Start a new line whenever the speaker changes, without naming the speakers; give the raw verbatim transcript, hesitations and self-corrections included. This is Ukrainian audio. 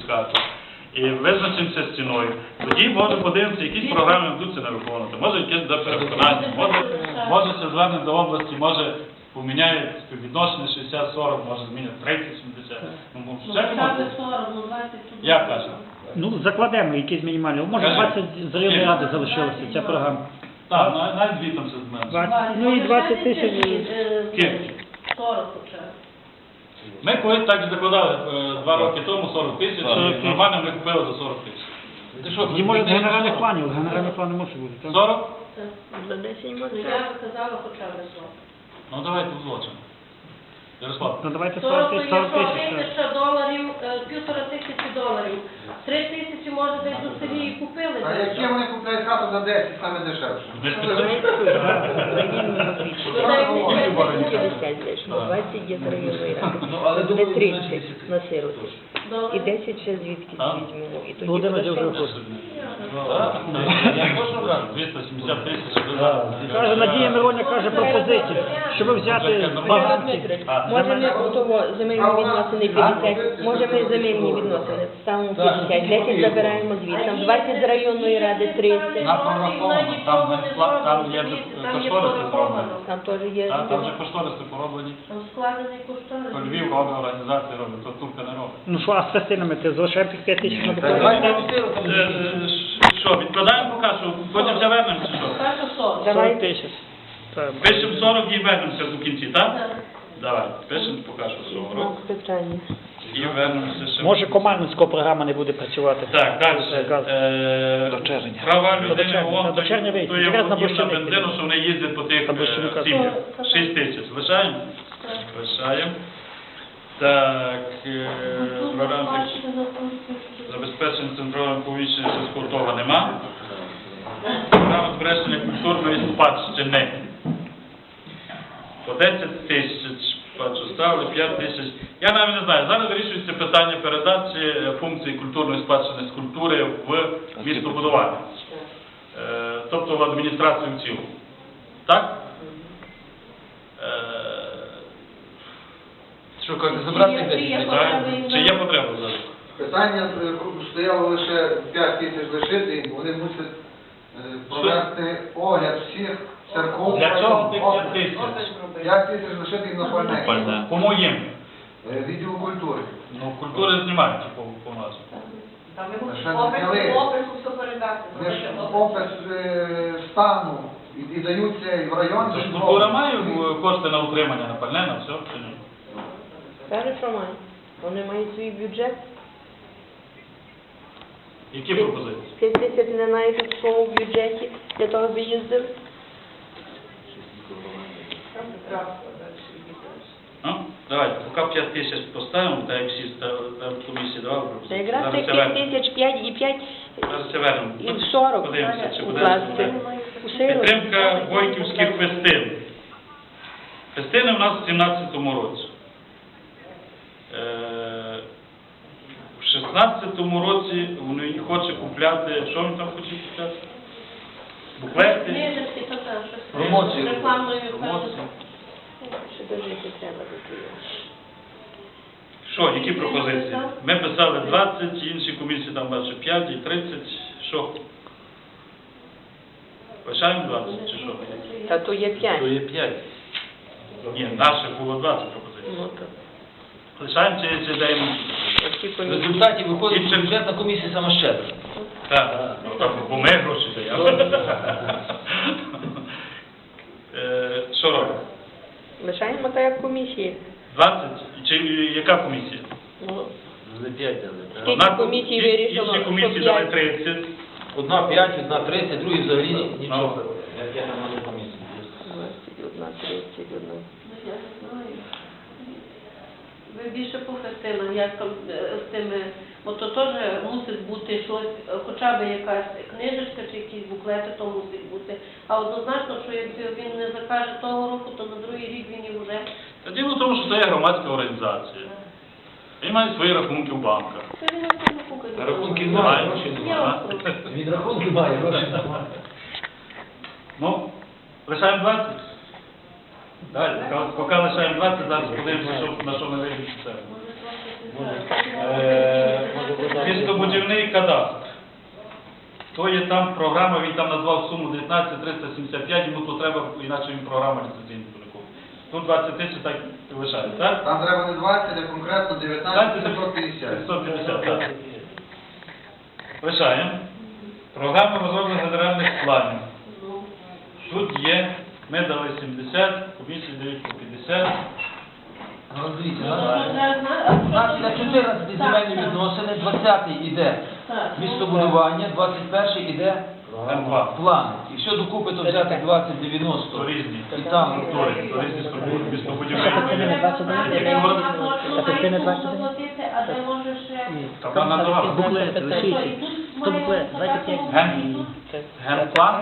хату і визначимося з ціною, тоді може подивимося, якісь програми будуть не виконувати, може якесь до переконання, може, може ще звернення до області, може поміняють співвідношення шістдесят сорок, може змінять тридцять сімдесят. Ну, я кажу.
Ну, закладемо якісь мінімальні. Може, двадцять з районної ради залишилося ця програма.
Так, навіть дві там все зменшує.
Ну і двадцять тисяч.
Скільки?
сорок вже.
Ми колись так і закладали е, два роки тому сорок тисяч, і нормально ми купили за сорок тисяч.
І може з генеральних планів, генеральні плани мусить бути, так?
сорок?
За десять може. Я казала, хоча б сорок.
Ну давайте узлочимо. Ярослав.
Ну давайте
сорок
сорок тисяч.
тисяч доларів, півтора тисячі доларів. Три тисячі, може, десь у селі і купили.
А які вони купляють хату за десять, саме дешевше?
двадцять є з районної ради, де тридцять на сироті. І десять ще звідки візьмемо. І тоді
Володимир вже
буде
хоче.
Я можу брати? двісті сімдесят тисяч.
Каже, Надія Мироня каже пропозицію, щоб взяти багатці.
Може ми у того земельні відносини п'ятдесят, може ми земельні відносини ставимо п'ятдесят, десять забираємо звідси, там двадцять з районної ради, тридцять.
Нам прораховано, там, не- там є кошториси зроблені.
Там теж є.
Так, там вже кошториси пороблені.
Там складений кошторис.
То Львів робить, організація робить, то Турка не робить.
Ну що, а з частинами ти залишаємо тих п'ять тисяч на
Е,
допомогу?
е, Що, відкладаємо поки що, потім все вернемо чи що?
Перше сорок.
сорок тисяч. Так.
Пишемо сорок і вернемося до кінці, так?
Так.
Давай, пишемо поки що сорок
Питання.
і вернемося ще.
Може, командницька програма не буде працювати.
Так, далі.
Газ.
Е,
До червня.
Права
До
людини,
червня.
вон,
До червня вийде.
то є
Якраз на
володів на
Борщаник.
бензину, що вони їздять по тих
На Борщаника.
е, сім'ях. шість тисяч. Лишаємо? Лишаємо. Так, е, програма забезпечення центрального повіщення зв'язку того нема. Програма збереження культурної спадщини. По десять тисяч, бачу, ставили п'ять тисяч. Я навіть не знаю, зараз вирішується питання передачі е, функції культурної спадщини з культури в містобудування. Е, тобто в адміністрацію в цілому. Так? Е,
Що, кажете, забрати
Чи
десять?
є
так? Чи є потреба зараз?
Питання е, стояло лише п'ять тисяч лишити, і вони мусять е, провести огляд всіх церков.
Для чого тих п'ять тисяч?
п'ять тисяч лишити і на пальне.
Кому їм?
Е, Відділу культури.
Ну, культури знімають по, по нас.
Там
Ще не
опис,
взяли.
опису все передати.
Вони ж опис е, стану і, і даються і в район.
Тож
і в
культура
область.
має е, кошти на утримання, на пальне, на все? Чи ні?
Каже, що має. Вони мають свій бюджет.
Які пропозиції?
п'ять тисяч не знаю, в своєму бюджеті для того, аби їздив.
Ну, давайте, поки п'ять тисяч поставимо, так як всі ставили, там комісії давали
Та
пропозиції.
якраз
Зараз
тих
це
п'ять
вернемо.
тисяч, п'ять і п'ять,
Зараз це вернемо.
і в сорок
Подивимося, чи буде.
укласти. У сироті.
Підтримка Войтівських фестин. Фестини в нас в сімнадцятому році. Е, В шістнадцятому році вони хоче купляти, що він там хоче купляти? Буклети,
Книжечки, то там щось.
Промоцію.
Рекламною
промоції.
Ще дожити треба до того.
Що, які пропозиції? Ми писали двадцять, інші комісії там бачу п'ять і тридцять. Що? Лишаємо двадцять чи що?
Та то є п'ять.
То є п'ять.
Ні, наших було двадцять пропозицій.
Ну, то.
Лишаємо чи, чи даємо?
Оці
В
комісії.
результаті виходить, що бюджетна комісія сама щедра.
Так, ну, там, бо ми гроші даємо. Е, Що робимо?
Лишаємо так, як комісії.
двадцять? Чи яка комісія?
Ну,
Не п'ять дали. так?
Скільки
Одна
комісій
інші-
вирішило,
Інші
що
комісії дали
п'ять?
тридцять.
Одна п'ять, одна тридцять, другі взагалі
Ну.
нічого. Як я на комісії.
двадцять одна, тридцять одна.
Я не знаю. Ви більше по фестинам, як там е, з тими, бо то теж мусить бути щось, е, хоча б якась книжечка чи якісь буклети, то мусить бути. А однозначно, що якби він не закаже того року, то на другий рік він і вже.
Та діло в тому, що це є громадська організація. Він має свої рахунки в банках.
Це він на цьому кукає.
Рахунки
Немає.
немає, грошей
Я
немає.
вас прошу.
Від рахунки має, грошей немає.
Ну, лишаємо двадцять? Далі, поки лишаємо двадцять, зараз подивимося, що, на що ми вирішимо це.
Е, може,
кадастр. То є там програма, він там назвав суму дев'ятнадцять триста сімдесят п'ять, йому тут треба, інакше він програма ліцензійна буде. Тут двадцять тисяч так і лишається, так?
Там треба не двадцять, а конкретно дев'ятнадцять сто п'ятдесят.
сто п'ятдесят, так. Лишаємо. Програма розроблення генеральних планів.
Ну,
Тут є, ми дали сімдесят, комісії дають по п'ятдесят.
Ну, дивіться,
ну,
на-
то вже зна- а
у нас
що
іде
ти-
чотирнадцяті
Так,
земельні
так.
відносини, двадцятий іде
Так, ну,
містобудування, двадцять перший іде
М два.
план. Якщо докупи, то взяти двадцять
То
дев'яносто.
різні.
І там
Структури, то різні структури,
Це
містобудівні.
частина двадцять дев'ять.
Де
Як
вона
говорить,
точно
це частина
має
двадцять
суму
дев'ять.
заплатити, а де може ще...
Та вона надавала.
Буклети,
То і
лишіться.
тут
Сто
має
буклет, двадцять п'ять.
такому
Ген-
і тут.
Це-
Генплан